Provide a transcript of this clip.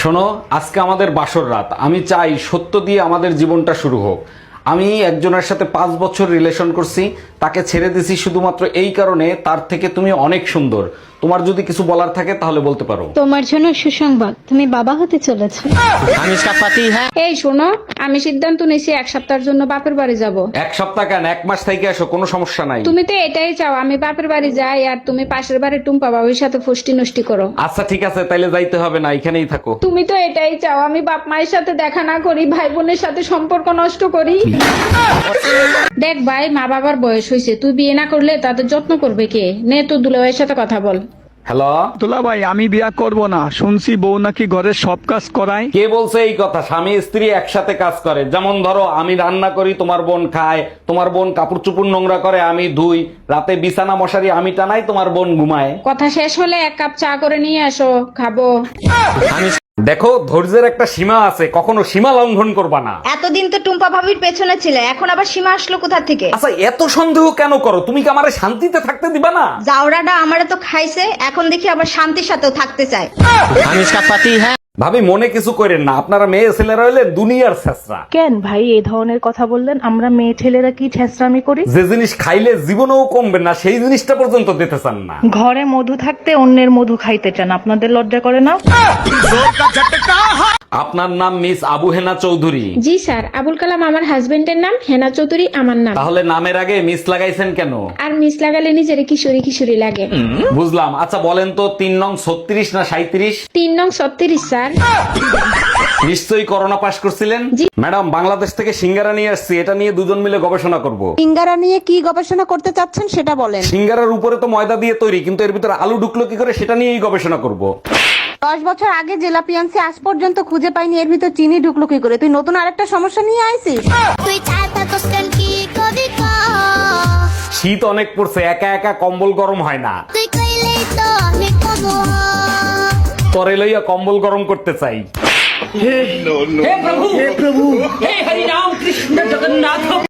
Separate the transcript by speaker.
Speaker 1: শোনো, আজকে আমাদের বাসর রাত। আমি চাই সত্য দিয়ে আমাদের জীবনটা শুরু হোক। আমি একজনের সাথে 5 বছর রিলেশন করছি, তাকে ছেড়ে দিছি শুধুমাত্র এই কারণে তার থেকে তুমি অনেক সুন্দর। তোমার যদি কিছু বলার থাকে তাহলে বলতে পারো।
Speaker 2: তোমার জন্য সুসংবাদ, তুমি বাবা হতে চলেছো।
Speaker 3: हम इसका पति है।
Speaker 4: এই শোনো, আমি সিদ্ধান্ত নিয়েছি 1 সপ্তাহের জন্য বাপের বাড়ি যাব।
Speaker 1: 1 সপ্তাহ কেন, 1 মাস থেকে আসো, কোনো সমস্যা নাই।
Speaker 4: তুমি তো এটাই চাও আমি বাপের বাড়ি যাই আর তুমি পাশের বাড়ি টুম্পা বাবুর সাথে ফষ্টি নষ্টি করো।
Speaker 1: আচ্ছা ঠিক আছে, তাইলে যাইতে হবে না, এখানেই থাকো।
Speaker 4: তুমি তো এটাই চাও আমি বাপ মায়ের সাথে দেখা না করি, ভাই বোনের সাথে সম্পর্ক নষ্ট করি। দেখ ভাই, মা বাবার বয়স হয়েছে, তুই বিয়ে না করলে তাদের যত্ন করবে কে? নে তোর দুলাভাইয়ের সাথে কথা বল।
Speaker 1: হ্যালো,
Speaker 5: দুলা ভাই, আমি বিয়া করব না। শুনছি বউ নাকি ঘরের সব কাজ করায়।
Speaker 1: কে বলছে এই কথা? স্বামী স্ত্রী একসাথে কাজ করে। যেমন ধরো, আমি রান্না করি, তোমার বোন খায়, তোমার বোন কাপড় চুপড় নোংরা করে, আমি ধুই, রাতে বিছানা মশারি আমি টানাই, তোমার বোন ঘুমায়।
Speaker 4: কথা শেষ হলে 1 কাপ চা করে নিয়ে আসো, খাবো।
Speaker 1: দেখো, ধৈর্যের একটা সীমা আছে, কখনো সীমা লঙ্ঘন করবা না।
Speaker 6: এতদিন তো টুম্পা ভাবির পেছনে ছিলে, এখন আবার সীমা আসলো কোথা থেকে?
Speaker 1: আচ্ছা, এত সন্দেহ কেন করো? তুমি কি আমারে শান্তিতে থাকতে দিবা না?
Speaker 6: জাউরাটা আমারে তো খাইছে, এখন দেখি আবার শান্তির সাথেও থাকতে চায়।
Speaker 3: हम इसका पति है।
Speaker 1: ভাবি, মনে কিছু করেন না, আপনারা মেয়ে ছেলেরা হইলে দুনিয়ার ছেঁচড়া।
Speaker 7: কেন ভাই এই ধরনের কথা বললেন? আমরা মেয়ে ছেলেরা কি ছেঁচড়ামি করি?
Speaker 1: যে জিনিস খাইলে জীবনেও কমবে না, সেই জিনিসটা পর্যন্ত দিতে চান না।
Speaker 7: ঘরে মধু থাকতে অন্যের মধু খাইতে চান, আপনাদের লজ্জা করে না?
Speaker 1: আপনার নাম মিস আবু হেনা চৌধুরী?
Speaker 4: জি স্যার, আবুল কালাম আমার হাজবেন্ডের নাম, হেনা চৌধুরী আমার নাম।
Speaker 1: তাহলে নামের আগে মিস লাগাইছেন কেন?
Speaker 4: আর মিস লাগালে নিজের কিশোরী কিশোরী লাগে।
Speaker 1: বুঝলাম। আচ্ছা বলেন তো, 3 নং 36 না 37?
Speaker 4: 3 নং 36 স্যার।
Speaker 1: নিশ্চয়ই করোনা পাশ করছিলেন। ম্যাডাম, বাংলাদেশ থেকে সিঙ্গারা নিয়ে আসছি, এটা নিয়ে দুজন মিলে গবেষণা করব।
Speaker 8: সিঙ্গারা নিয়ে কি গবেষণা করতে চাচ্ছেন সেটা বলেন।
Speaker 1: সিঙ্গারার উপরে তো ময়দা দিয়ে তৈরি, কিন্তু এর ভিতরে আলু ঢুকলো কি করে সেটা নিয়েই গবেষণা করব।
Speaker 8: 10 বছর আগে জেলা পিয়ান্সি আজ পর্যন্ত খুঁজে পাইনি, এর ভিতর চিনি ঢুকলো কি করে? তুই নতুন আরেকটা সমস্যা নিয়ে আইছিস।
Speaker 1: শীত অনেক পড়ছে, একা একা কম্বল গরম হয় না। তরে লইয়া কম্বল গরম করতে চাই।